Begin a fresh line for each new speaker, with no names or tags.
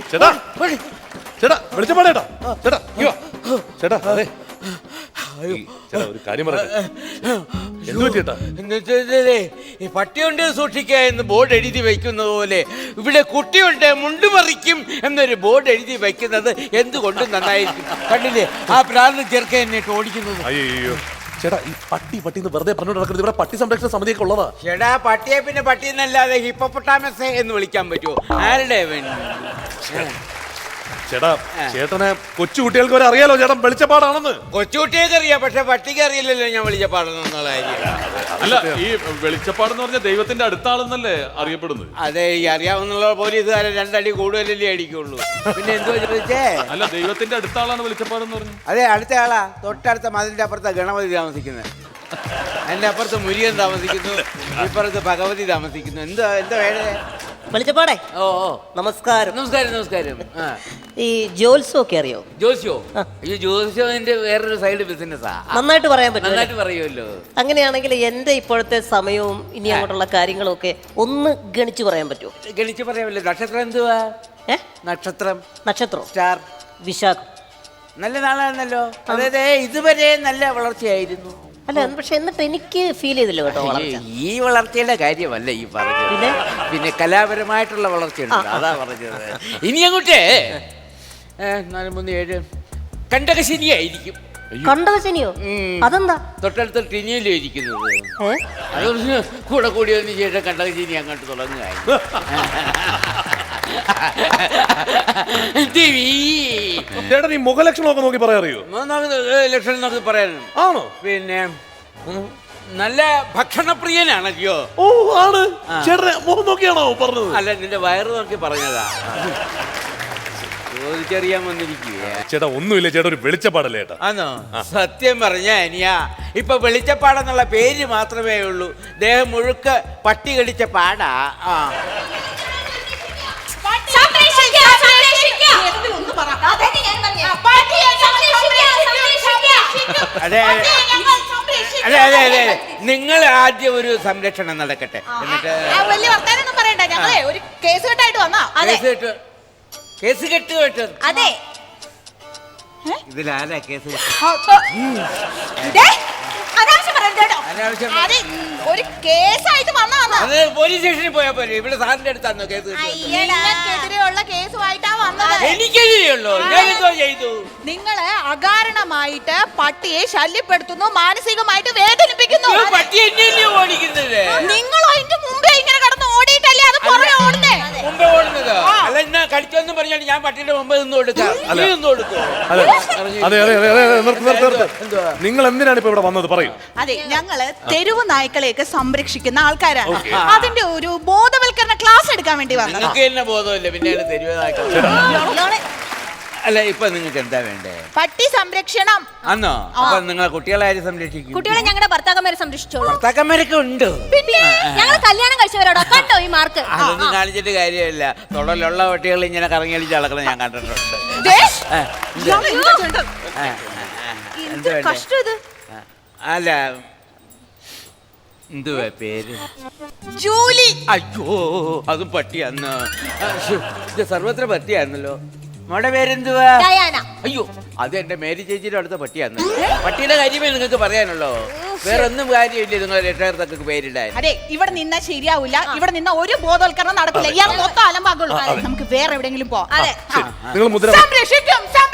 ചേട്ടാ ചേട്ടാ വെളിച്ചപ്പാടേട്ടാ ചേട്ടാ ചേട്ടാ അതെ ചേട്ടാ ഒരു കാര്യം പറയട്ടെ. എന്ത് പറ്റിയേട്ടാ?
ഈ പട്ടിയുണ്ട് സൂക്ഷിക്കുക എന്ന് ബോർഡ് എഴുതി വയ്ക്കുന്നത് പോലെ ഇവിടെ കുട്ടിയുണ്ട് മുണ്ടുമറിക്കും എന്നൊരു ബോർഡ് എഴുതി വയ്ക്കുന്നത് എന്തുകൊണ്ടും നന്നായിരിക്കും. കണ്ടില്ലേ ആ പ്രാർത്ഥന ചെറുക്കൻ എന്നിട്ട് ഓടിക്കുന്നത്.
അയ്യോ ചേട്ടാ ഈ പട്ടി വെറുതെ പറഞ്ഞു നടക്കുന്നത്. ഇവിടെ പട്ടി സംരക്ഷണ സമിതിയൊക്കെ ഉള്ളതാ.
ചേട്ടാ പട്ടിയെ പിന്നെ പട്ടി എന്നല്ലാതെ ഹിപ്പോപ്പൊട്ടാമസ് എന്ന് വിളിക്കാൻ പറ്റുമോ? ആരുടെ
ചേട്ടാ ചേട്ടനെ കൊച്ചുകുട്ടികൾക്ക് വരെ അറിയാലോ ചേട്ടൻ വെളിച്ചപ്പാടാണെന്ന്.
കൊച്ചുകുട്ടിയൊക്കെ അറിയാം, പക്ഷെ പട്ടിക്ക് അറിയില്ലല്ലോ ഞാൻ വെളിച്ചപ്പാടെന്നുള്ള കാര്യം.
അല്ല ഈ വെളിച്ചപ്പാടെന്ന് പറഞ്ഞ ദൈവത്തിന്റെ അടുത്താളെന്നല്ലേ അറിയപ്പെടുന്നത്?
അതെ, ഈ അറിയാവുന്ന പോലീസുകാരെ 2 അടി കൂടുതലല്ലേ അടിക്കുള്ളൂ. പിന്നെ എന്തോ ചോദിച്ചേ?
അല്ല ദൈവത്തിന്റെ അടുത്താളാണ് വെളിച്ചപ്പാടെന്ന് പറഞ്ഞു.
അതെ, അടുത്ത ആളാ. തൊട്ടടുത്ത മതിലിന്റെ അപ്പുറത്താ ഗണപതി താമസിക്കുന്നത്. എന്റെ അപ്പുറത്ത് മുരുകൻ താമസിക്കുന്നു, ഇപ്പുറത്ത് ഭഗവതി താമസിക്കുന്നു. എന്താ വേണ്ടേ?
വെളിച്ചപ്പാടേ.
ഓ
നമസ്കാരം.
നമസ്കാരം.
ഈ ജോത്സ്യം ഒക്കെ അറിയോ?
ജോസ്യോ? ഈ ജോസ്യോന്റെ വേറൊരു സൈഡ് ബിസിനസ്സാ.
നന്നായിട്ട് പറയാൻ പറ്റും.
നന്നായിട്ട് പറയുമല്ലോ.
അങ്ങനെയാണെങ്കിൽ എന്റെ ഇപ്പോഴത്തെ സമയവും ഇനി അങ്ങോട്ടുള്ള കാര്യങ്ങളും ഒക്കെ ഒന്ന് ഗണിച്ചു പറയാൻ പറ്റുമോ?
ഗണിച്ച് പറയാമല്ലോ. നക്ഷത്രം എന്തുവാ? നക്ഷത്രം സ്റ്റാർ
വിശാഖം.
നല്ല നാളായിരുന്നല്ലോ. അതായത് ഇതുവരെ നല്ല വളർച്ചയായിരുന്നു.
അല്ല, പക്ഷെ എന്നിട്ട് എനിക്ക് ഫീൽ ചെയ്തില്ല കേട്ടോ വളർച്ച.
ഈ വളർച്ചയുടെ കാര്യമല്ല ഈ പറഞ്ഞത്, പിന്നെ കലാപരമായിട്ടുള്ള വളർച്ചയുണ്ട്, അതാ പറഞ്ഞത്. ഇനി അങ്ങോട്ടേ 4, 3, 7 കണ്ടകശനിയായിരിക്കും.
കണ്ടകശനിയോ? അതെന്താ?
തൊട്ടടുത്ത ടിനിയിലും ഇരിക്കുന്നത്. അതൊന്ന് കൂടെ കൂടി വന്ന് ശേഷം കണ്ടകശനി അങ്ങോട്ട് തുടങ്ങുകയായി.
ചേട്ടൻ ഈ മുഖലക്ഷണമൊക്കെ നോക്കി പറയാറിയോ?
ലക്ഷണം നോക്കി പറയാനും
ആണോ?
പിന്നെ നല്ല ഭക്ഷണപ്രിയനാണല്ലോ.
ഓ ആണ്. ചേട്ടനെ മുഖം നോക്കിയാണോ പറഞ്ഞത്?
അല്ല, നിന്റെ വയറ് നോക്കി പറഞ്ഞതാ. ചോദിച്ചറിയാൻ വന്നിരിക്കുക.
ചേട്ടാ ഒന്നുമില്ല, ചേട്ടാ ഒരു വെളിച്ചപ്പാടല്ലേ ചേട്ടാ?
ആണോ? സത്യം പറഞ്ഞ അനിയാ, ഇപ്പൊ വെളിച്ചപ്പാടെന്നുള്ള പേര് മാത്രമേ ഉള്ളൂ. ദേഹം മുഴുക്ക പട്ടി കടിച്ച പാടാ. അതെ, നിങ്ങൾ ആദ്യം ഒരു സംരക്ഷണം നടക്കട്ടെ, എന്നിട്ട് കേസ് കെട്ട്.
അതെ,
ഇതിലാരാ കേസ്?
ഒരു കേസായിട്ട്
അത് പോലീസ് സ്റ്റേഷനിൽ പോയാ പോലെ. ഇവിടെ സാറിന്റെ അടുത്താണോ കേസ്?
എനിക്കെതിരെയുള്ള കേസുമായിട്ടാ വന്നത്.
എനിക്കെതിരെയുള്ളൂ? ഞാൻ എന്തോ ചെയ്തു?
നിങ്ങള് അകാരണമായിട്ട് പട്ടിയെ ശല്യപ്പെടുത്തുന്നു, മാനസികമായിട്ട് വേദനിപ്പിക്കുന്നു.
പട്ടി എന്നെയല്ലേ ഓടിക്കുന്നത്?
നിങ്ങൾ അതിന്റെ മുമ്പേ ഇങ്ങനെ കിടന്ന് ഓടിയിട്ടല്ലേ അത് പുറകെ ഓടുന്നേ?
മുമ്പേ ഓടുന്നത്? അല്ല, എന്നാ കളിച്ചോന്നും പറഞ്ഞാൽ ഞാൻ പട്ടിയുടെ മുമ്പ് നിന്ന് കൊടുക്കാം.
നിങ്ങൾ എന്തിനാണ് ഇപ്പൊ ഇവിടെ വന്നത്? പറയൂ.
അതെ, ഞങ്ങള് തെരുവ് നായ്ക്കളെയൊക്കെ സംരക്ഷിക്കുന്ന ആൾക്കാരാണ്. അതിന്റെ ഒരു ബോധവൽക്കരണ ക്ലാസ് എടുക്കാൻ വേണ്ടി വന്നത്.
നിങ്ങൾക്ക് തന്നെ ബോധമില്ല, പിന്നെ തെരുവ് നായ്ക്കൾ. അല്ല, ഇപ്പൊ നിങ്ങൾക്ക് എന്താ വേണ്ടേ?
പട്ടി സംരക്ഷണം.
ആന്നോ? അപ്പൊ നിങ്ങളെ കുട്ടികളെ ആര് സംരക്ഷിക്കും?
കുട്ടികളെ ഞങ്ങളുടെ ഭർത്താക്കന്മാരെ സംരക്ഷിച്ചോളൂ.
ഭർത്താക്കന്മാരൊക്കെ ഉണ്ട്.
പിന്നെ ഞങ്ങൾ കല്യാണം കഴിച്ചവരോടോ? കണ്ടോ ഈ മാർക്ക്?
അതൊന്നും കാണിച്ചിട്ട് കാര്യമില്ല. തൊടലുള്ള കുട്ടികൾ ഇങ്ങനെ കറങ്ങി അടിച്ച് നടക്കണം ഞാൻ കണ്ടിട്ടുണ്ട്.
കഷ്ടം ഇത്.
അല്ല, എന്തുവാ പേര്?
ജൂലി.
അയ്യോ, അതും പട്ടിയാന്ന്. ഇത് സർവത്ര പട്ടിയായിരുന്നല്ലോ. മോടെ പേരെന്തുവാ?
ഡയാന.
അയ്യോ, അത് എന്റെ മേരി ചേച്ചിയുടെ അടുത്ത പട്ടിയാന്ന്. പട്ടിയുടെ കാര്യമേ നിങ്ങൾക്ക് പറയാനുള്ളോ? വേറെ ഒന്നും കാര്യമില്ല നിങ്ങൾ രക്ഷകർത്താക്കൾക്ക് പേരിടാൻ.
അതെ, ഇവിടെ നിന്നാ ശരിയാവില്ല. ഇവിടെ നിന്ന ഒരു ബോധവൽക്കരണം നടക്കില്ല. ഇയാൾ മൊത്തം അലമ്പാകുള്ളൂ. നമുക്ക് വേറെ എവിടെയെങ്കിലും പോവാം.
അതെ,
നിങ്ങൾ മുദ്ര
സംരക്ഷിക്കും.